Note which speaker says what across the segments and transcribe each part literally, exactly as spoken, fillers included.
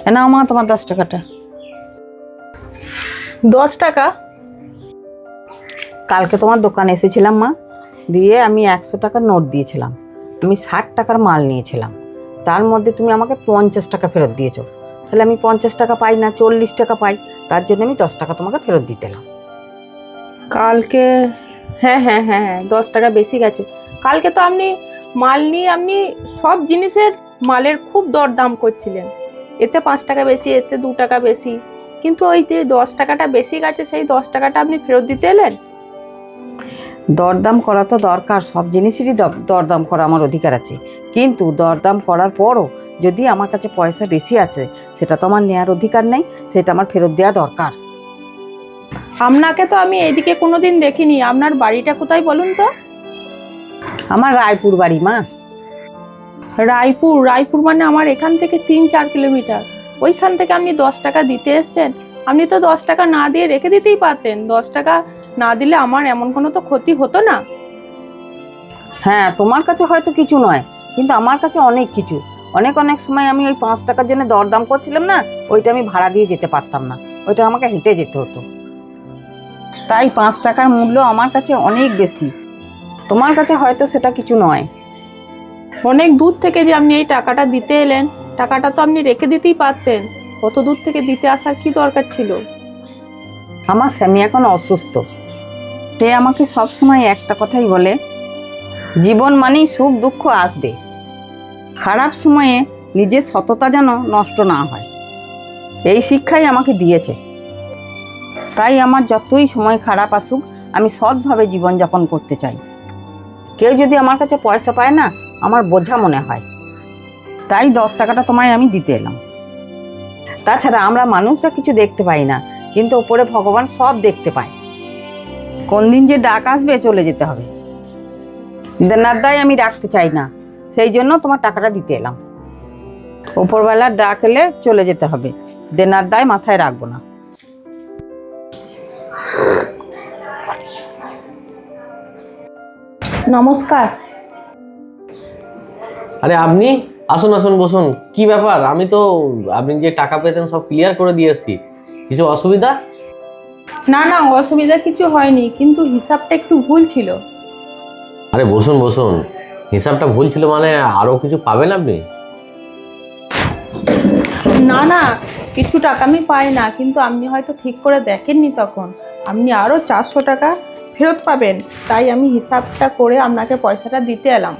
Speaker 1: নাও মা তোমার দশ টাকাটা।
Speaker 2: দশ টাকা?
Speaker 1: কালকে তোমার দোকানে এসেছিলাম মা, দিয়ে আমি একশো টাকার নোট দিয়েছিলাম, আমি ষাট টাকার মাল নিয়েছিলাম, তার মধ্যে তুমি আমাকে পঞ্চাশ টাকা ফেরত দিয়েছো, তাহলে আমি পঞ্চাশ টাকা পাই না, চল্লিশ টাকা পাই, তার জন্য আমি দশ টাকা তোমাকে ফেরত দিতে এলাম।
Speaker 2: কালকে হ্যাঁ হ্যাঁ হ্যাঁ হ্যাঁ দশ টাকা বেশি গেছে। কালকে তো আপনি মাল নিয়ে আপনি সব জিনিসের মালের খুব দরদাম করছিলেন, এতে পাঁচ টাকা বেশি, এতে দু টাকা বেশি, কিন্তু ওই যে দশ টাকাটা বেশি গেছে সেই দশ টাকাটা আপনি ফেরত দিতে এলেন।
Speaker 1: দরদাম করা তো দরকার, সব জিনিসেরই দরদাম করা আমার অধিকার আছে, কিন্তু দরদাম করার পরও যদি আমার কাছে পয়সা বেশি আছে সেটা তো আমার নেওয়ার অধিকার নেই, সেটা আমার ফেরত দেওয়া দরকার।
Speaker 2: আপনাকে তো আমি এদিকে কোনোদিন দেখিনি, আপনার বাড়িটা কোথায় বলুন তো?
Speaker 1: আমার রায়পুর বাড়ি মা।
Speaker 2: রায়পুর? রায়পুর মানে আমার এখান থেকে তিন চার কিলোমিটার, ওইখান থেকে আপনি দশ টাকা দিতে এসছেন। আপনি তো দশ টাকা না দিয়ে রেখে দিতেই পারতেন, দশ টাকা না দিলে আমার এমন কোনো তো ক্ষতি হতো না।
Speaker 1: হ্যাঁ তোমার কাছে হয়তো কিছু নয়, কিন্তু আমার কাছে অনেক কিছু। অনেক অনেক সময় আমি ওই পাঁচ টাকার জন্য দরদাম করছিলাম না, ওইটা আমি ভাড়া দিয়ে যেতে পারতাম না, ওইটা আমাকে হেঁটে যেতে হতো, তাই পাঁচ টাকার মূল্য আমার কাছে অনেক বেশি, তোমার কাছে হয়তো সেটা কিছু নয়।
Speaker 2: অনেক দূর থেকে যে আপনি এই টাকাটা দিতে এলেন, টাকাটা তো আপনি রেখে দিতেই পারতেন, কত দূর থেকে দিতে আসার কি দরকার ছিল?
Speaker 1: আমার স্বামী এখন অসুস্থ, সে আমাকে সবসময় একটা কথাই বলে, জীবন মানেই সুখ দুঃখ আসবে, খারাপ সময়ে নিজের সততা যেন নষ্ট না হয়, এই শিক্ষাই আমাকে দিয়েছে। তাই আমার যতই সময় খারাপ আসুক আমি সৎভাবে জীবনযাপন করতে চাই। কেউ যদি আমার কাছে পয়সা পায় না আমার বোঝা মনে হয়, তাই দশ টাকাটা তোমায় আমি দিতে এলাম। তাছাড়া আমরা মানুষরা কিছু দেখতে পাই না, কিন্তু ওপরে ভগবান সব দেখতে পায়, কোন দিন যে ডাক আসবে চলে যেতে হবে, দেনার দায় আমি রাখতে চাই না, সেই জন্য তোমার টাকাটা দিতে এলাম। ওপরবেলার ডাক এলে চলে যেতে হবে, দেনার দায় মাথায় রাখবো না।
Speaker 2: নমস্কার।
Speaker 3: আরে আপনি আসুন আসুন বসুন। কি ব্যাপার? আমি তো আপনি যে টাকা পেতেন সব ক্লিয়ার করে দিয়ে এসেছি, কিছু অসুবিধা?
Speaker 2: না না অসুবিধা কিছু হয়নি, কিন্তু হিসাবটা একটু ভুল ছিল।
Speaker 3: আরে বসুন বসুন, হিসাবটা ভুল ছিল মানে আরো কিছু পাবেন আপনি?
Speaker 2: না না কিছু টাকা আমি পাই না, কিন্তু আপনি হয়তো ঠিক করে দেখেননি, তখন আপনি আরো চারশো টাকা ফেরত পাবেন, তাই আমি হিসাবটা করে আপনাকে পয়সাটা দিতে এলাম।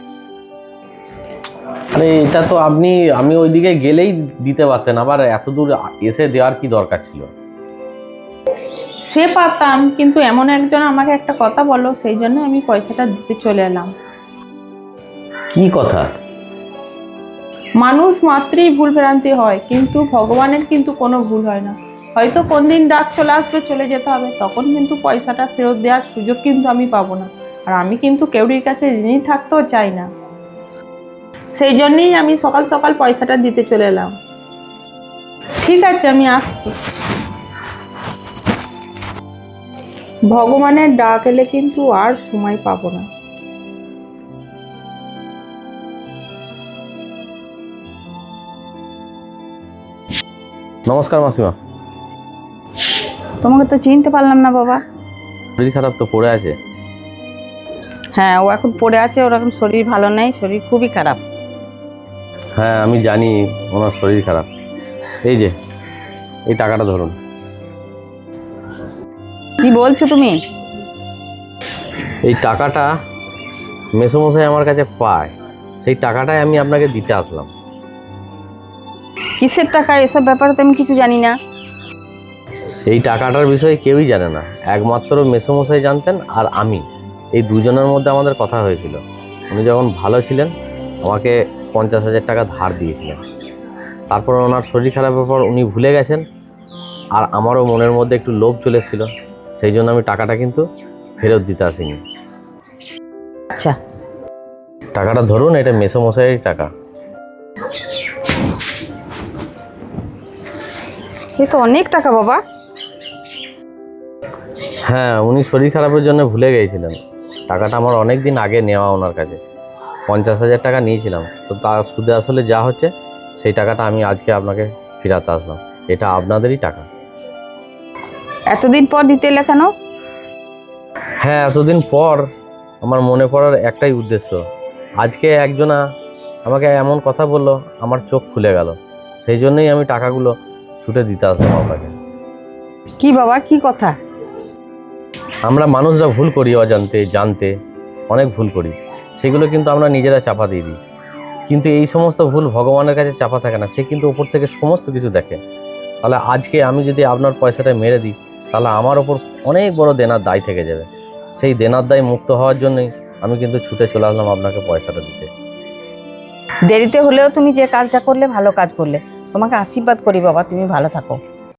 Speaker 3: আরে এটা তো আপনি, আমি ওইদিকে গেলেই দিতে পারতেন, আবার এত দূর এসে দেওয়ার কি দরকার ছিল?
Speaker 2: সে পারতাম, কিন্তু এমন একজন আমাকে একটা কথা বলো, সেই জন্য আমি পয়সাটা দিতে চলে এলাম।
Speaker 3: কি কথা?
Speaker 2: মানুষ মাত্রই ভুল ভ্রান্তি হয়, কিন্তু ভগবানের কিন্তু কোনো ভুল হয় না। হয়তো কোন দিন ডাক চলে আসবে, চলে যেতে হবে, তখন কিন্তু পয়সাটা ফেরত দেওয়ার সুযোগ কিন্তু আমি পাবো না, আর আমি কিন্তু কেউরির কাছে ঋণী থাকতেও চাই না, সেই জন্যই আমি সকাল সকাল পয়সাটা দিতে চলে এলাম। ঠিক আছে আমি আসছি। ভগবানের ডাক এলে কিন্তু আর সময় পাবো না।
Speaker 3: নমস্কার মাসিমা।
Speaker 1: তোমাকে তো চিনতে পারলাম না বাবা।
Speaker 3: শরীর খারাপ তো, পড়ে আছে।
Speaker 1: হ্যাঁ ও এখন পড়ে আছে, ওর এখন শরীর ভালো নেই, শরীর খুবই খারাপ।
Speaker 3: হ্যাঁ আমি জানি ওনার শরীর খারাপ। এই যে এই টাকাটা ধরুন।
Speaker 1: কি বলছো তুমি?
Speaker 3: এই টাকাটা মেসোমশাই আমার কাছে পায়, সেই টাকাটাই আমি আপনাকে দিতে আসলাম।
Speaker 1: কিসের টাকা? এসব ব্যাপারে তো আমি কিছু জানি না।
Speaker 3: এই টাকাটার বিষয়ে কেউই জানে না, একমাত্র মেসোমশাই জানতেন আর আমি, এই দুজনের মধ্যে আমাদের কথা হয়েছিল। উনি যখন ভালো ছিলেন আমাকে পঞ্চাশ হাজার টাকা ধার দিয়েছিলেন, তারপর ওনার শরীর খারাপের পর উনি ভুলে গেছেন, আর আমারও মনের মধ্যে একটু লোভ চলে এসেছিল, সেই জন্য আমি টাকাটা কিন্তু ফেরত দিতে আসিনি।
Speaker 1: আচ্ছা
Speaker 3: টাকাটা ধরুন, এটা মেসোমশাইয়ের টাকা।
Speaker 1: এ তো অনেক টাকা বাবা।
Speaker 3: হ্যাঁ উনি শরীর খারাপের জন্য ভুলে গিয়েছিলেন, টাকাটা আমার অনেক দিন আগে নেওয়া ওনার কাছে, পঞ্চাশ হাজার টাকা নিয়েছিলাম, তো তার সুদে আসলে যা হচ্ছে সেই টাকাটা আমি আজকে আপনাকে ফিরাতে আসলাম। এটা আপনাদেরই টাকা।
Speaker 1: এতদিন পর দিতে এলে কেন?
Speaker 3: হ্যাঁ, এতদিন পর আমার মনে পড়ার একটাই উদ্দেশ্য। আজকে একজনা আমাকে এমন কথা বললো, আমার চোখ খুলে গেল। সেই জন্যই আমি টাকাগুলো ছুটে দিতে আসলাম আপনাকে।
Speaker 1: কি বাবা, কি কথা?
Speaker 3: আমরা মানুষরা ভুল করি, অজান্তে জানতে অনেক ভুল করি, সেগুলো কিন্তু আমরা নিজেরা চাপা দিয়ে দিই। কিন্তু এই সমস্ত ভুল ভগবানের কাছে চাপা থাকে না, সে কিন্তু ওপর থেকে সমস্ত কিছু দেখে। তাহলে আজকে আমি যদি আপনার পয়সাটা মেরে দিই, তাহলে আমার ওপর অনেক বড় দেনার দায় থেকে যাবে। সেই দেনার দায় মুক্ত হওয়ার জন্যই আমি কিন্তু ছুটে চলে আসলাম আপনাকে পয়সাটা দিতে।
Speaker 1: দেরিতে হলেও তুমি যে কাজটা করলে ভালো কাজ করলে। তোমাকে আশীর্বাদ করি বাবা, তুমি ভালো থাকো।